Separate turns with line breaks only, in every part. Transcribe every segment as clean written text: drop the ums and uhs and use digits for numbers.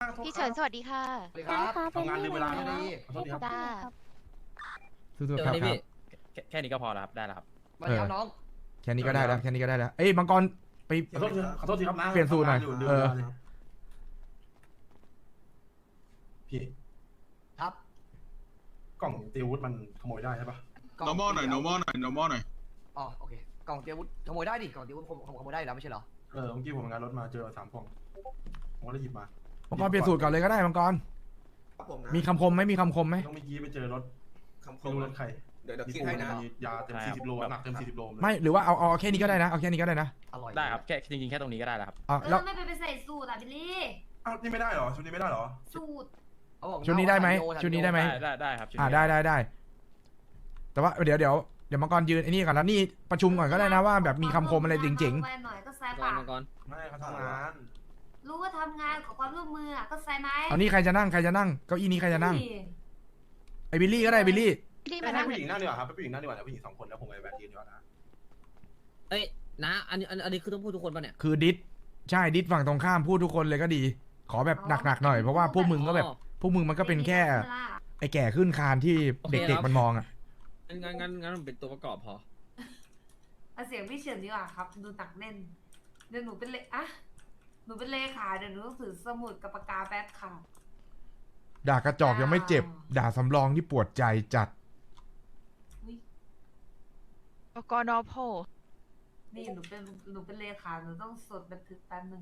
พี่เฉินสวัสดีค่ะ
สวัสดีครับทำงานลืมเวลาไม่ดีขอโทษทีครับ
จ้า
สู้ๆครับแค่นี้ก็พอแล้วครับได้แล้วครับ
สวัสดีครับน้อง
แค่นี้ก็ได้แล้วแค่นี้ก็ได้แล้วเอ้ยมังกรไป
ขอโทษทีครับนะ
เปลี่ยนสูตรหน่อย
ทำงาลืม
เออ
เวลาเลยครับพี่
ครับ
กล่องตีอาวุธมันขโมยได้ใช่ปะ
normal หน่อย normal หน่อย normal หน่อย
อ๋อโอเคกล่องเตรียมอาวุธขโมยได้ดิกล่องเตรียมอาวุธขโมยได้อยู่แล้วไม่ใช่เหรอ
เมื่อกี้ผมทำงานรถมาเจอ3 กล่องผมก็เลยหยิบมา
มังกรเปลี่ยนสูตรก่อนเลยก็ได้มังกร
ครับผมนะ
มีคำคมไหมมีคำคมไหม
ต้องเมื่อกี้ไปเจอรถ
คำค
ไม่
ม
รู้รถใคร
เดี๋ยว
มี
คิด
ปู
ให้
น
นะ
มียาเต็ม
ใช่ครับ
40 โลหนักเต็ม40 โลเลย
ไม่หรือว่าเอาแค่นี้ก็ได้นะเอาแค่นี้ก็ได้นะ
อร่อย
ได้ครับแค่จริงๆแค่ตรงนี้ก็ได้แล้วครับ
เอ
แล้ว
อไม่ไปใส่สูตรอ่ะบิลลี่
อ้าวนี่ไม่ได้เหรอชุดนี้ไม่ได้เหรอ
สูตร
เขาบอก
ชุดนี้ได้ไหม
โย
ชุดนี้ได้ไหมได้ครับ ได้ แต่ว่าเดี๋ยวมังกรยืนไอ้นี่ก่อนแล้วนี่ประชุมก่อนก็ได้นะว่าแบบมีคำคมอะไรจริง
ไปหน่อยก็ใส่
ก่อ
ปาน ก
มาก่อน
ไม่เขาทำงาน
รู้ว่าทำงานขอความร่วมมืออะก็ใส่ไหม
ๆเอานี่ใครจะนั่งเก้าอี้นี้ใครจะนั่งไอ้บิลลี่ก็ได้บิลลี่
พี่
ให้
มานั่ง
ผู้หญิงนั่งดีกว่าครับให้ผู้หญิงนั่งดีกว่านะผู้หญิง2 คนแล้วผมไปแบทยืนดีกว่านะ
เอ้ยนะอันนี้คือต้องพูดทุกคนป่ะเนี่ย
คือดิสใช่ดิสฝั่งตรงข้ามพูดทุกคนเลยก็ดี ขอแบบหนักๆหน่อยเพราะว่าพวกมึงก็แบบพวกมึงมันก็เป็นแค่ไอ้แก่ขึ้นคานที่เด็กๆมันมองอ่ะ
งั้นมันเป็นตัวประกอบพอ
เอาเสียงพี่เฉินดีกว่าครับ ดูหนักแน่นเดี๋ยวหนูเป็นเลอะหนูเป็นเลขาเดี๋ยวหนูต้องถือสมุดกับปากกาแป๊บค่ะ
ด่ากระจอกยังไม่เจ็บ ด่าสำรองที่ปวดใจจัด
อุ๊ย
กนพ
นี่หนูเป็นเลขาหนูต้องสดบันทึกแป๊บนึง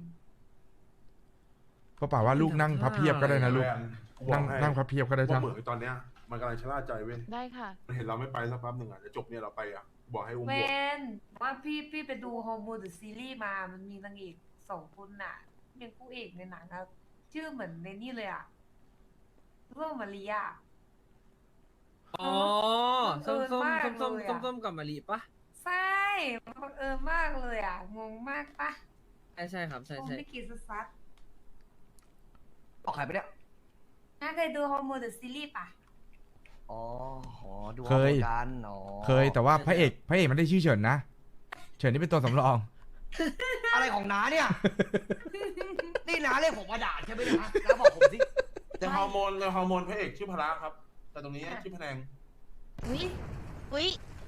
ก็เปล่าว่าลูกนั่งพับเพียบก็ได้นะลูก นั่งพับเพียบก็ได้
ว่า
จ้ะ
เหมือนตอนเนี้ยมันกำลังชะล่าใจเว้ย
ได้ค่ะ
มันเห็นเราไม่ไปสักแป๊บหนึ่งอ่ะจะจบเนี่ยเราไปอ่ะบอกให้อุ้ม
เว
บวก
นว่าพี่ไปดูฮอร์โมนหรือซีรีส์มามันมีนางเอก2 คนน่ะเป็นคู่เอกในหนังอะชื่อเหมือนในนี่เลยอะเรื่องมาริยา
อ๋อ ส้ม
บังเอิญมากเลยอะ
ส้มกับมะลิปะ
ใช่มันบังเอิญมากเลยอ่ะ งงมากปะ
ใช่ครับใช่
ผมไม่กี่ซัด
ออกใครไปเนี่ย
น่าเคยดูฮอร์โมนหรือซีรีส์ปะ
อ๋อดู
เคย
กันอ๋อ
เคยแต่ว่าพระเอกมันได้ชื่อเฉินนะ เฉินนี่เป็นตัวสำรอง
อะไรของน้าเนี่ย นี่น้าเรียกผมมาด่าใช่ไหมเนยนะน้าบอกผมสิ
ในฮอร์โมนพระเอกชื่อพละครับ แต่ตรงนี้ชื่อพแนง
อุ๊ย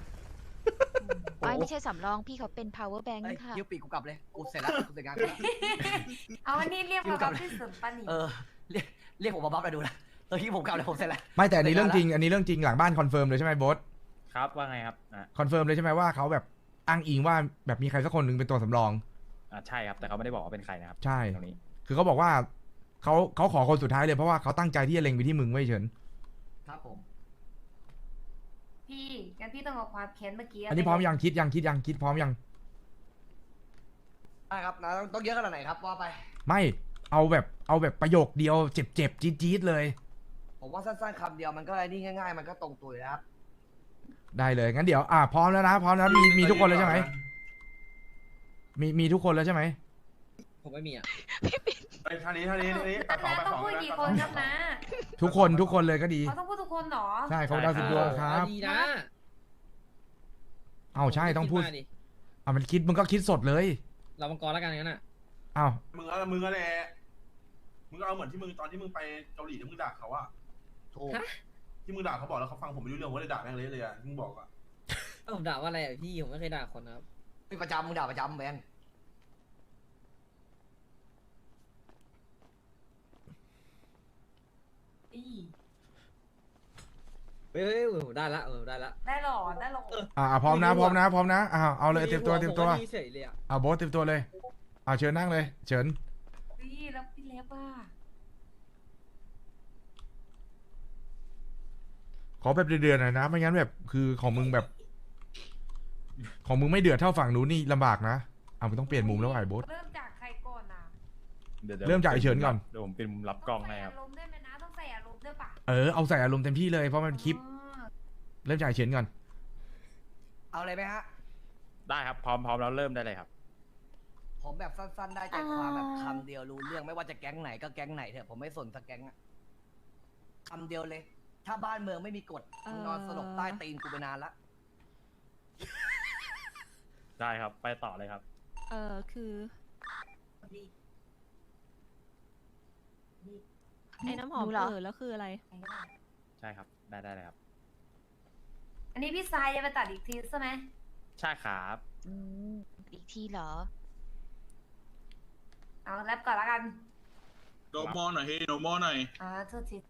ไม่ใช่สำรองพี่เขาเป็น power bank
เอ้ย
ค่ะ
ยิ้วปีกกูกลับเลยกูเสร็จแล้วกูเสร็จงานกูแล้ว
เอาอันนี้เรียกมากับที่สุดปะนี่
เรียกผมมาบัฟเลยดูนะที่ผมกลับเลยผมเสร็จแล้ว
ไม่แต่อันนี้เรื่องจริงหลังบ้านคอนเฟิร์มเลยใช่ไหมโบ๊ทครับว่าไงครับคอนเฟิร์มเลยใช่ไหมว่าเขาแบบอ้างอิงว่าแบบมีใครสักคนหนึ่งเป็นตัวสำรอง
ใช่ครับแต่เขาไม่ได้บอกว่าเป็นใครนะครับ
ใช่
ตรงนี้
คือเขาบอกว่าเขาขอคนสุดท้ายเลยเพราะว่าเขาตั้งใจที่จะเล็งไปที่มึงไว้เฉิน
ครับผม
พี่งั้นพี่ต้องเอาความแค้นเมื่อกี้
อันนี้พร้อมยังคิดพร้อมยัง
ได้ครับนะต้องเยอะขนาดไหนครับว่าไป
ไม่เอาแบบประโยคเดียวเจ็บจี๊ดๆเลย
ผมว่าสั้นๆคำเดียวมันก็ไอ้นี่ง่ายๆ มันก็ตรงตัวอยู่แล้วครับ
ได้เลยงั้นเดี๋ยวพร้อมแล้วนะมีทุกคนแล้วใช่ไหมมีทุกคนแล้วใช่ไหม
ผมไม่มีอ่ะ
ไอ้ท่านี้ตัดสอง
ต้องพูดกี่คนครับนะ
ทุกคนเลยก็ดี
เขาต้องพูดทุกคนเหรอ
ใช่เขาดาวสุดดวงครับ
ดีนะ
เอาใช่ต้องพูด
คิมา
มันคิดมึงก็คิดสดเลย
เรามังกรแล้วกันงั้นอ่ะ
เอา
มึงก็แหละมึงก็เอาเหมือนที่มึงตอนที่มึงไปเกาหลีที่มึงด่าเขาอะ
ถูก
ที่มึงด่าเขาบอกแล้วเขาฟังผมไม่รู้เรื่องว่าเลยด่าแม่งเลยอะที่มึงบอกอะ
ผมด่าว่าอะไรอ่ะพี่ผมไม่เคยด่าคนนะครับ
เป็นประจำมึงด่าประจำแบน
อี
เฮ้ยผมได้ละได้ละ
ได้หรอได้หรอ
พร้อมนะเอาเลยเตรียมตัว
ผมก็ดีเฉยเลยอ่ะ
โบ๊ทเตรียมตัวเลยเชิญนั่งเลยเฉิน
พี่แล้วพี่เล็บอ่ะ
ขอแบบเดือดๆหน่อยนะไม่งั้นแบบคือของมึงแบบ ของมึงไม่เดือดเท่าฝั่งนู้นนี่ลำบากนะมึงต้องเปลี่ยนมุมแล้วไอ้โบ๊ท
เริ่มจากใครก่อนอ่ะ
เริ่มจากไอ้เฉินก่อน
เดี๋ยวผมเป็นมุมรับกล้องให้ครับ
ต้องใส่อารมณ์ด้วยไหมนะต้องใส่อารมณ์ด้วยปะ
เอาใส่อารมณ์เต็มที่เลยเพราะมันคลิป
อ๋อ
เริ่มจากไอ้เฉินก่อน
เอาเลยไหมฮะ
ได้ครับพร้อมแล้วเริ่มได้เลยครับ
ผมแบบสั้นๆได้ใจความแบบคำเดียวรู้เรื่องไม่ว่าจะแก๊งไหนก็แก๊งไหนเถอะผมไม่สนสักแก๊งอะคำเดียวเลย ถ้าบ้านเมืองไม่มีกฎมึงนอนสลบใต้ตีนกูไปนานละ
ได้ครับไปต่อเลยครับ
คือ
ดี
ไอ้น้ำหอม
หนูเหรอ
แล้วคืออะไร
ใครก็ได้
ใช่ครับ ได้เลยครับ
อันนี้พี่ทรายจะไปตัดอีกทีใช่ไหม
ใช่ครับ
อืมอีกทีเหรอ
เอาแรปก่อนละกัน
โนมอหน่อยเฮ้โนมอหน่อย
โทษที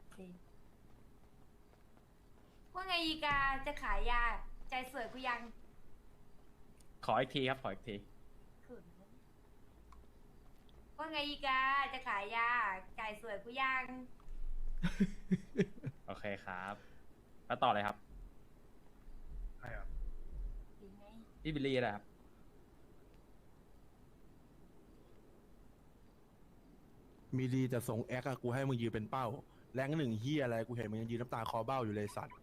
ว่าไงอีกาจะขายยา ใจสวยกูยัง
ขออีกทีครับ ขออีกที
ว่าไงอีกาจะขายยา ใจสวยกูยัง
โอเคครับ แล้วต่อเลยครับ
ใช่ครับ
ดีไหม
พี่บิลลี่นะครับ
มีดีจะส่งแอคอะกูให้มึงยืนเป็นเป้า แรงหนึ่งเฮียอะไรกูเห็นมึงยังยืนน้ำตาคอเบ้าอยู่เลยสัตว์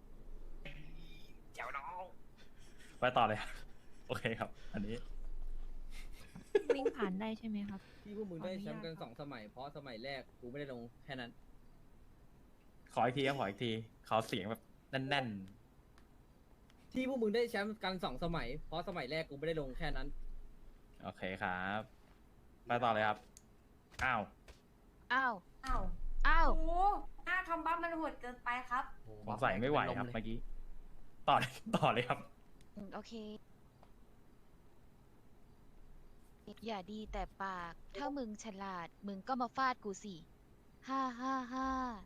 ไปต่อเลยครับ โอเคครับ อันนี้
วิ่งผ่านได้ใช่ไหมครับ
ที่พวกมึงได้แชมป์กัน2 สมัย เพราะสมัยแรกกูไม่ได้ลงแค่นั้น
ขออีกทีครับ ขออีกที ขอเสียงแบบแน่น
ที่พวกมึงได้แชมป์กัน2 สมัย เพราะสมัยแรกกูไม่ได้ลงแค่นั้น
ๆ โอเคครับ ไปต่อเลยครับ อ้าว
อ้าว
อ้าว
อ้าว
โอ้โหหน้าคำบัฟมันโหดเกินไปครับ
สงสัยไม่ไหวครับเมื่อกี้ ต่อเลย ต่อเลยครับ
โอเค อย่าดีแต่ปาก ถ้ามึงฉลาด มึงก็มาฟาดกูสิฮ่าฮ่าฮ่า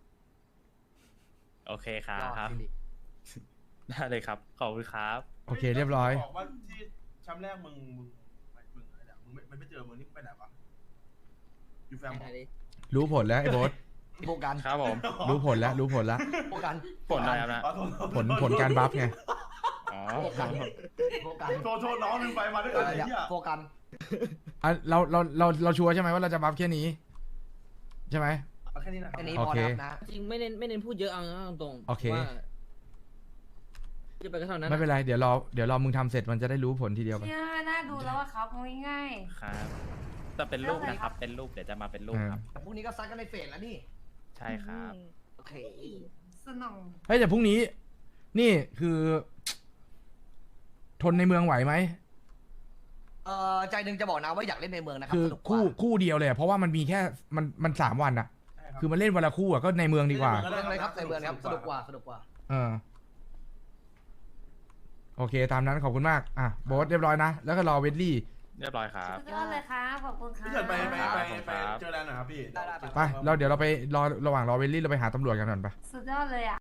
โอเคครั
รอด
บ
สิริ
ได้เลยครับ ขอบคุณครับ
โอเคเรียบร้อย
บอกว่าที่แชมป์แรกมึงอะไรเนี่ยมึงไม่เจอมึงนี่ไปไหนวะอยู่แฟม
ไหนดิ
รู้ผลแล้วไอ้โบส
โบกัน
ครับผม
รู้ผลแล้วรู้ผลแล้ว
โบกัน
ผลอะไรครับนะ
ผลการบัฟไง
อ๋อ
โบกันโบกัน
โทษน้องลืมไปมาด้วย
เอ
กัน
อ
ไอ้
เนี่ย
เหี้ย
โบกัน
อ่ะเราชัวร์ใช่ไหมว่าเราจะบัฟแค่นี้ ใช่ไหม
เอาแค่นี้นะ
แค่นี้
โอ
พอ
เค
แล้วนะ
จริงไม่เน้นพูดเยอะเอาตรงๆ
โอเค
ว่าจะไปก็เท่านั้น
ไม่เป็นไรเดี๋ยวรอมึงทำเสร็จมันจะได้รู้ผลทีเดียวไป
เนี่ยน่าดูแล้วอะครับง่าย
ครับ แต่เป็นรูปนะครับ เป็นรูป เดี๋ยวจะมาเป็นรูปครับ
แต่พรุ่งนี้ก็ซัดกันในเฟสแล้วนี่
ใช่ครับ
โอเค
ๆสนอง
เฮ้ยแต่พรุ่งนี้ นี่คือ ทนในเมืองไหวไหม
ใจหนึ่งจะบอกนะว่าอยากเล่นในเมืองนะครับ
คือ
สนุกกว่า
คู่เดียวเลยอะเพราะว่ามันมีแค่มัน3 วันอะคือมันเล่นวันละคู่อะก็ในเมืองดีกว่า
เล่นเลยครับในเมืองครับสนุกกว่าสนุกกว่า
เออ โอเค ตามนั้นขอบคุณมาก อ่ะโบสเรียบร้อยนะ แล้วก็รอเวดลี่
เรียบร้อยครับ
สุดยอดเลยครับขอบคุณครับ
พี่เฉินไป
ครับ
เจอแลนด์หน่อยครับพี่
ได้
ไปเราเดี๋ยวเราไปรอระหว่างรอเวดลี่เราไปหาตำรวจกันก่อนไป
สุดยอดเลยอะ